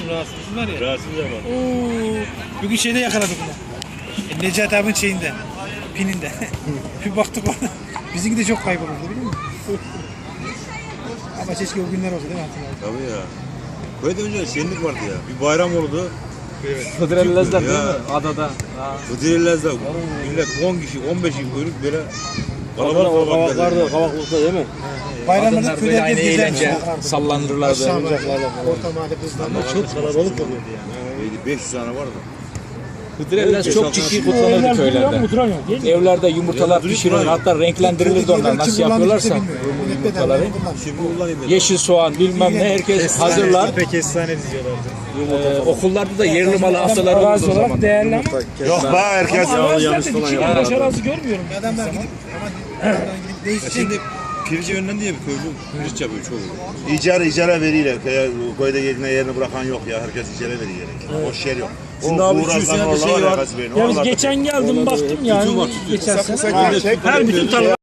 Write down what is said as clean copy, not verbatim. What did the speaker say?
rahatsız bunlar ya. Rahatsız ama. Oo, bugün şeyde yakaladık bunu. Necati abinin şeyinde, pininde. Bir baktık ona. Bizimki de çok kaybolurdu biliyor musun? Ama keşke o günler olsa değil mi hatırladın? Tabii ya. Köyde önce şenlik vardı ya. Bir bayram oldu. Hıdrellezler değil mi? Adada. Hıdrellez'de millet 10 kişi, 15 kişi kuyruk böyle kalabalık Kavaklarda, kavaklıkta değil mi? Bayramlarda Kadınlar böyle köyler aynı hep eğlence gezermiş. sallandırırlardı. Orta mahalle kızlarla çok kalabalık oluyordu yani. 500 tane vardı. Hıdrellez çok ciddi kutlanırdı köylerde. Evlerde yumurtalar pişirilir, hatta renklendirilirdi onlar. Nasıl yapıyorlarsa yumurtaları. Şimdi kullanayım dedim. Yeşil soğan bilmem ne herkes hazırlar. Pek efsane diziyorlardı. Okullarda da yerli malı hastalar olurdu o zaman. Değerli ama. Yok be herkes Yanlış falan ya. Aşağısı görmüyorum. Adamlar gidip değişecek. Şimdi pirinci önünden diye bir köylü pirinç yapıyor çoğu. icara veriyorlar. Köyde yerini bırakan yok ya. Herkes icara veriyor. Boş yer yok. Şimdi abi 200 senedir şey var. Ya biz geçen geldim baktım yani. Geçen sene. Her bütün tarla